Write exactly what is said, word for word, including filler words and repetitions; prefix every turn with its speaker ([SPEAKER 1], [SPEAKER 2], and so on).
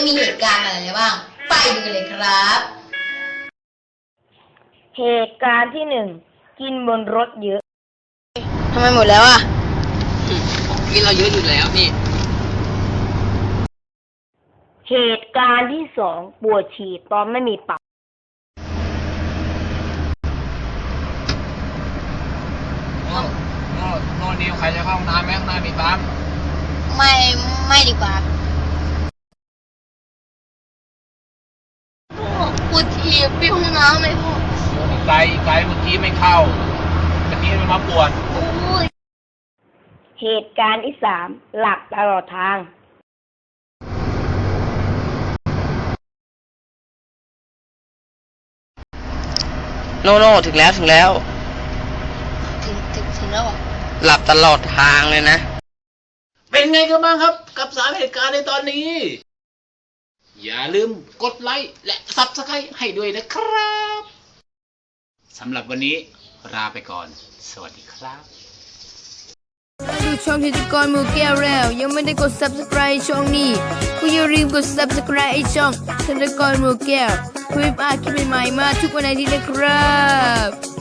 [SPEAKER 1] มีเหตุการณ์อะไรบ้างไปดูกันเลยครับ
[SPEAKER 2] เหตุการณ์ที่หนึ่งกินบนรถเยอะ
[SPEAKER 1] ทำไมหมดแล้วอ่ะ
[SPEAKER 3] กินเราเยอะอยู่แล้วนี่
[SPEAKER 2] เหตุการณ์ที่สองปวดฉี่ตอนไม่มีปั๊ม
[SPEAKER 3] โอ้โน่โน่นิวใครจะเข้าห้องน้ำไหมข้างหน้ามีปั๊ม
[SPEAKER 1] ไม่ไม่ดีกว่าพ่อปวดฉี่ไปห้องน้ำไหมพ่อ
[SPEAKER 3] ไกลไกลเมื่อกี้ไม่เข้าเมื่อกี้มันมาปวด
[SPEAKER 1] โอ้ย
[SPEAKER 2] เหตุการณ์ที่สามหลับตลอดทาง
[SPEAKER 4] โน่โน่ถึงแล้วถึงแล้ว
[SPEAKER 1] ถึงถึงถึงแล้วอ่ะ
[SPEAKER 4] หลับตลอดทางเลยนะ
[SPEAKER 3] เป็นไงกันบ้างครับกับสามเหตุการณ์ในตอนนี้ อย่าลืมกดไลค์และซับสไครต์ให้ด้วยนะครับสำหรับวันนี้ลาไปก่อนสวัสดีครับ
[SPEAKER 5] ดูช่องธิติกรหมูแก้วแล้วยังไม่ได้กด ซับสไครบ์ ช่องนี้ก็อย่าลืมกด ซับสไครบ์ ไอช่องธิติกรหมูแก้วเพื่อไม่พลาดคลิปใหม่ๆมาทุกวันอาทิตย์นะครับ